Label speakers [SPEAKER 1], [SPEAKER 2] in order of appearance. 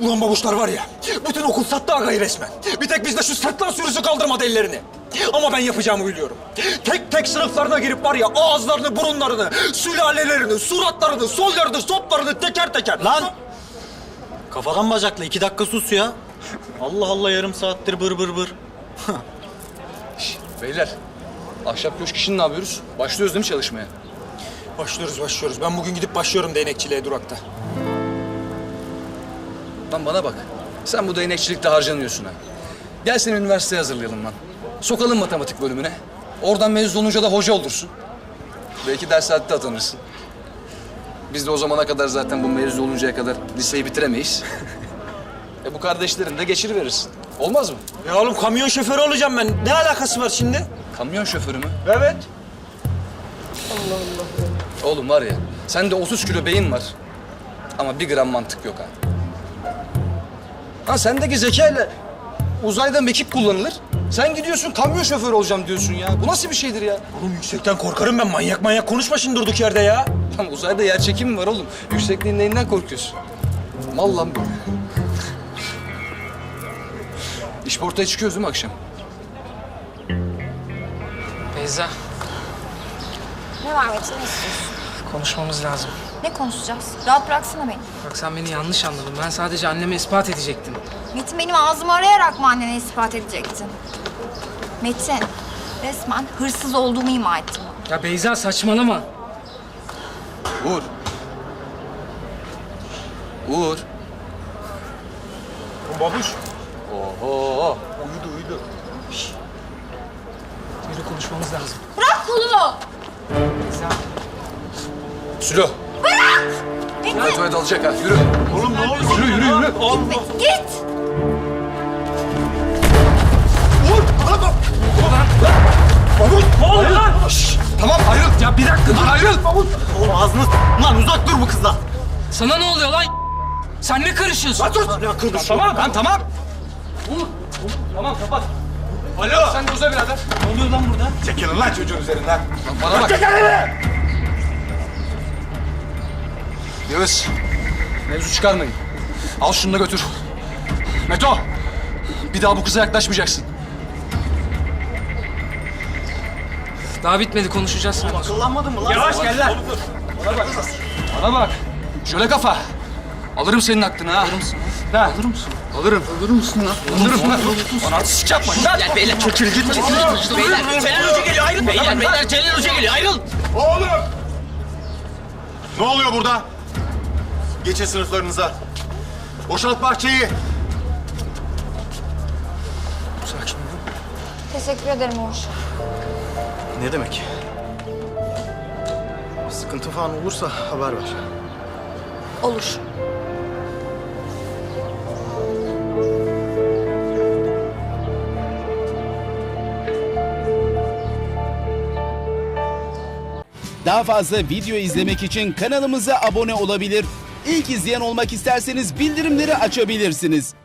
[SPEAKER 1] Ulan babuşlar var ya, bütün okul sattı agayı resmen. Bir tek bizde şu sırtlan sürüsü kaldırmadı ellerini. Ama ben yapacağımı biliyorum. Tek tek sınıflarına girip var ya, ağızlarını, burunlarını, sülalelerini, suratlarını, sollarını, soplarını teker teker...
[SPEAKER 2] Lan! Kafadan bacakla 2 dakika sus ya. Allah Allah, yarım saattir bır bır bır.
[SPEAKER 3] Beyler, ahşap köşk işini ne yapıyoruz? Başlıyoruz değil mi çalışmaya?
[SPEAKER 1] Başlıyoruz. Ben bugün gidip başlıyorum değnekçiliğe durakta.
[SPEAKER 3] Lan bana bak, sen bu değnekçilikte harcanıyorsun ha. Gel seni üniversiteye hazırlayalım lan. Sokalım matematik bölümüne. Oradan mezun olunca da hoca olursun. Belki ders saatte atanırsın. Biz de o zamana kadar zaten bu mezun oluncaya kadar liseyi bitiremeyiz. Bu kardeşlerin de geçiriverirsin. Olmaz mı?
[SPEAKER 1] Ya oğlum kamyon şoförü olacağım ben. Ne alakası var şimdi?
[SPEAKER 3] Kamyon şoförü mü?
[SPEAKER 1] Evet.
[SPEAKER 3] Oğlum var ya, sende 30 kilo beyin var. Ama 1 gram mantık yok ha. Ha sendeki zekayla uzayda mekik kullanılır. Sen gidiyorsun kamyon şoförü olacağım diyorsun ya. Bu nasıl bir şeydir ya?
[SPEAKER 1] Oğlum yüksekten korkarım ben. Manyak konuşma şimdi durduk yerde ya.
[SPEAKER 3] Lan uzayda yer çekimi var oğlum. Yüksekliğin neyinden korkuyorsun? Mal lan bu. İşportaya çıkıyoruz değil mi akşam?
[SPEAKER 4] Beyza,
[SPEAKER 5] Ne var Metin, ne istiyorsun?
[SPEAKER 4] konuşmamız lazım.
[SPEAKER 5] Ne konuşacağız? Rahat bıraksana beni.
[SPEAKER 4] Bak sen beni yanlış anladın. Ben sadece anneme ispat edecektim.
[SPEAKER 5] Metin, benim ağzımı arayarak mı annene ispat edecektin? Metin, resmen hırsız olduğumu ima ettin.
[SPEAKER 4] Ya Beyza saçmalama.
[SPEAKER 3] Uğur. Uğur.
[SPEAKER 1] Babuş.
[SPEAKER 3] Oho.
[SPEAKER 1] Uyudu.
[SPEAKER 4] Yürü, konuşmamız lazım.
[SPEAKER 5] Bırak kolumu!
[SPEAKER 4] Beyza.
[SPEAKER 3] Sülo.
[SPEAKER 5] Metin,
[SPEAKER 3] Hadi tuvalet alacak ha. Yürü.
[SPEAKER 1] Oğlum ne oluyor?
[SPEAKER 3] Yürü.
[SPEAKER 5] git!
[SPEAKER 1] Babuş ne oluyor lan?
[SPEAKER 3] Tamam ayrıl.
[SPEAKER 4] Ya bir dakika dur.
[SPEAKER 3] Ayrıl.
[SPEAKER 2] Oğlum ağzını lan, uzak dur bu kızdan.
[SPEAKER 4] Sana ne oluyor lan? Sen ne karışıyorsun?
[SPEAKER 1] Ya kırmış.
[SPEAKER 3] Tamam. Tamam.
[SPEAKER 1] Tamam kapat. Alo.
[SPEAKER 3] Sen de uza birader.
[SPEAKER 2] Ne oluyor lan burada?
[SPEAKER 1] Çekilin lan çocuğun üzerinden.
[SPEAKER 3] Lan bana bak. Yağız. Mevzu çıkarmayın. Al şunu da götür. Meto. Bir daha bu kıza yaklaşmayacaksın.
[SPEAKER 4] Daha bitmedi, konuşacağız seninle.
[SPEAKER 2] Akıllanmadın mı lan?
[SPEAKER 1] Yavaş gel lan.
[SPEAKER 3] Bana bak. Şöyle kafa. Alırım senin aklını ha. Alır mısın? Ha. Alır mısın? Alırım. Alır mısın lan? Alırım lan. Bana artistik yapmayın lan.
[SPEAKER 6] Gel beyler, çekil git. Beyler, Celal Hoca geliyor, ayrıl. Beyler, Celal Hoca geliyor, ayrıl.
[SPEAKER 7] Oğlum! Ne oluyor burada? Geçin sınıflarınıza. Boşalt bahçeyi.
[SPEAKER 3] Sakin ol.
[SPEAKER 5] Teşekkür ederim Uğur.
[SPEAKER 2] Ne demek? Sıkıntı falan olursa haber ver.
[SPEAKER 5] Olur.
[SPEAKER 8] Daha fazla video izlemek için kanalımıza abone olabilir. İlk izleyen olmak isterseniz bildirimleri açabilirsiniz.